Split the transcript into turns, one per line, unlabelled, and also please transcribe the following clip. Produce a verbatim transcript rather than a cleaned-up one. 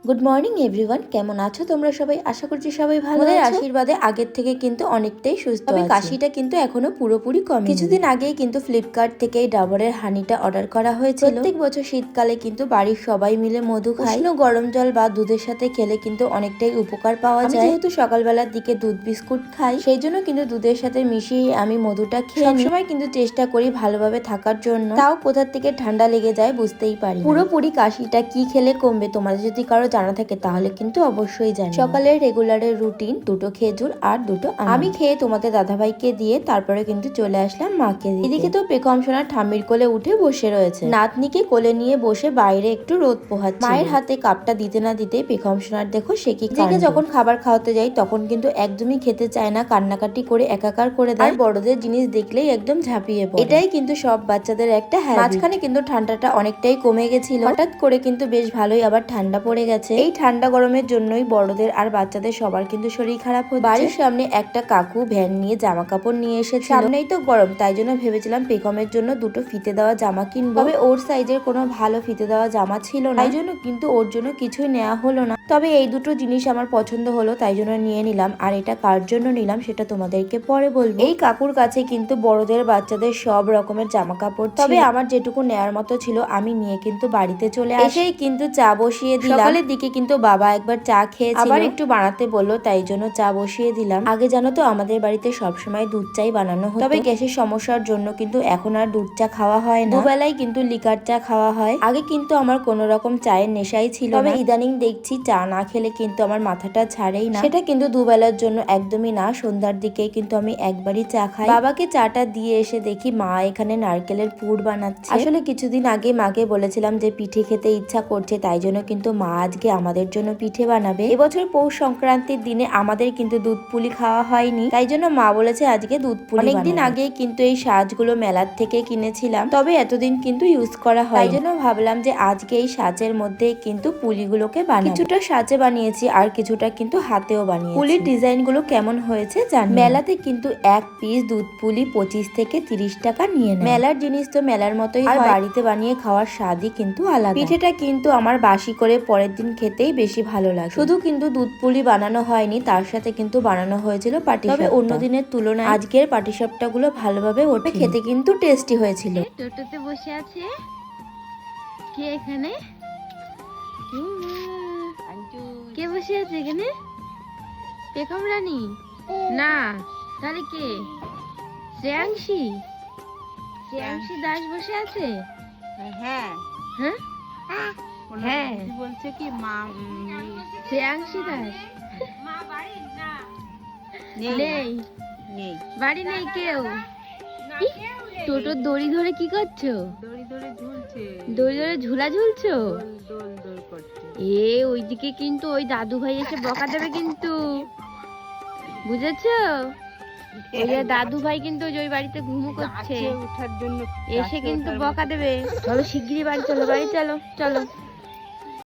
Good morning everyone, কেমন আছো তোমরা সবাই? আশা করছি সবাই ভালো আছো। আশীর্বাদে আগের থেকে কিন্তু অনেকটাই সুস্থ আছি। তবে কাশিটা কিন্তু এখনো পুরোপুরি কমেনি। কিছুদিন আগেই কিন্তু ফ্লিপকার্ট থেকে এই ডাবরের হানিটা অর্ডার করা হয়েছিল। প্রত্যেক বছর শীতকালে কিন্তু বাড়ির সবাই মিলে মধু খায়। উষ্ণ গরম জল বা দুধের সাথে খেলে কিন্তু অনেকটাই উপকার পাওয়া যায়। যেহেতু সকালবেলার দিকে দুধ বিস্কুট খাই, সেই জন্য কিন্তু দুধের সাথে মিশিয়ে আমি মধুটা খেয়ে সবসময় কিন্তু চেষ্টা করি ভালোভাবে থাকার জন্য। তাও কোথা থেকে ঠান্ডা লেগে যায় বুঝতেই পারি। পুরোপুরি কাশিটা কি খেলে কমবে, তোমাদের যদি কারো জানা থাকে তাহলে কিন্তু অবশ্যই জানি। সকালের রেগুলারের রুটিন দুটো খেজুর আর দুটো আম। আমি খেয়ে তোমাদের দাদাভাইকে দিয়ে তারপরে কিন্তু চলে আসলাম মাকে দিতে। এদিকে তো পেখম সোনা ঠাম্মির কোলে উঠে বসে রয়েছে, নাতনিকে কোলে নিয়ে বসে বাইরে একটু রোদ পোহাচ্ছে। মায়ের হাতে কাপটা দিতে না দিতে পেখম সোনার দেখো সে কি কাণ্ড। যখন খাবার খাওয়াতে যাই তখন কিন্তু একদমই খেতে চায় না, কান্নাকাটি করে একাকার করে দেয়। আর বড়দের জিনিস দেখলেই একদম ঝাঁপিয়ে পড়ে। এটাই কিন্তু সব বাচ্চাদের একটা হ্যাবিট। মাঝখানে কিন্তু ঠান্ডাটা অনেকটাই কমে গেছিল, হঠাৎ করে কিন্তু বেশ ভালোই আবার ঠান্ডা পড়ে গেছে। এই ঠান্ডা গরমের জন্যই বড়দের আর বাচ্চাদের সবার কিন্তু শরীর খারাপ হচ্ছে। বাড়ির সামনে একটা কাকু ভ্যান নিয়ে জামা কাপড় নিয়ে এসেছে। সামনেই তো গরম, তাই জন্য ভেবেছিলাম পেখমের জন্য দুটো ফিতে দেওয়া জামা কিনবো। তবে ওর সাইজের কোনো ভালো ফিতে দেওয়া জামা ছিল না, তাই জন্য কিন্তু ওর জন্য কিছুই নেওয়া হলো না। তবে এই দুটো জিনিস আমার পছন্দ হলো, তাই জন্য নিয়ে নিলাম। আর এটা কার জন্য নিলাম সেটা তোমাদেরকে পরে বলবো। এই কাকুর কাছে কিন্তু বড়দের বাচ্চাদের সব রকমের জামা কাপড়, তবে আমার যেটুকু নেয়ার মতো ছিল আমি নিয়ে কিন্তু বাড়িতে চলে আসেই কিন্তু চা বসিয়ে দিলাম। সকালের দিকে কিন্তু বাবা একবার চা খেয়েছিল, আবার একটু বানাতে বললো, তাই জন্য চা বসিয়ে দিলাম। আগে জানো তো আমাদের বাড়িতে সবসময় দুধ চাই বানানো হতো, তবে গ্যাসের সমস্যার জন্য কিন্তু এখন আর দুধ চা খাওয়া হয় না, দুবেলায় কিন্তু লিকার চা খাওয়া হয়। আগে কিন্তু আমার কোনো রকম চায়ের নেশাই ছিল, তবে ইদানিং দেখছি চা না খেলে কিন্তু আমার মাথাটা ছাড়েই না। সেটা কিন্তু দুবেলার জন্য একদমই না, সন্ধ্যার দিকে কিন্তু আমি একবারই চা খাই। বাবাকে চাটা দিয়ে এসে দেখি মা এখানে নারকেলের পুর বানাচ্ছে। আসলে কিছুদিন আগে মাকে বলেছিলাম যে পিঠে খেতে ইচ্ছা করছে, তাই জন্য কিন্তু মা আজকে আমাদের জন্য পিঠে বানাবে। এবছর পৌষ সংক্রান্তির দিনে আমাদের কিন্তু দুধ পুলি খাওয়া হয়নি, তাই জন্য মা বলেছে আজকে দুধ পুলি। অনেকদিন আগে কিন্তু এই সাজগুলো মেলার থেকে কিনেছিলাম, তবে এতদিন কিন্তু ইউজ করা হয়, তাই জন্য ভাবলাম যে আজকে এই সাজের মধ্যে কিন্তু পুলিগুলোকে বানাবো। কিছুটা সাজে বানিয়েছি আর কিছুটা কিন্তু হাতেও বানিয়েছি। পুলির ডিজাইন গুলো কেমন হয়েছে জানি। মেলাতে কিন্তু এক পিস দুধ পুলি পঁচিশ থেকে তিরিশ টাকা নিয়ে নেয়। মেলার জিনিস তো মেলার মতোই, আর বাড়িতে বানিয়ে খাওয়ার স্বাদই কিন্তু আলাদা। পিঠেটা কিন্তু আমার বাসি করে পরের দিন খেতেই বেশি ভালো লাগে। শুধু কিন্তু দুধ পুলি বানানো হয়নি, তার সাথে কিন্তু বানানো হয়েছিল পাটি। তবে অন্য দিনের তুলনায় আজকের পাটিসাপটা গুলো ভালোভাবে ওঠে, খেতে কিন্তু টেস্টি হয়েছিল।
টোটোতে বসে আছে কে এখানে? কে বসে আছে এখানে? পেখম রানী না, তাহলে কে? শ্রেয়াংশী শ্রেয়াংশী দাস বসে আছে।
হ্যাঁ
হ্যাঁ হ্যাঁ
বলছে কি মা
শ্রেয়াংশী দাস নেই, বাড়ি নেই কেউ। টোটোর দড়ি ধরে কি করছো?
দড়ি ধরে ঝুলছে,
দড়ি ধরে ঝুলা ঝুলছো?
দোল দোল করছে।
এ ওইদিকে কিন্তু ওই দাদু ভাই এসে বকা দেবে কিন্তু, বুঝেছো? ওই যে দাদু ভাই কিন্তু ওই বাড়িতে ঘুমো করছে,
উঠার জন্য
এসে কিন্তু বকা দেবে। চলো শিগগিরই বাড়ি চলো, বাড়ি চলো চলো।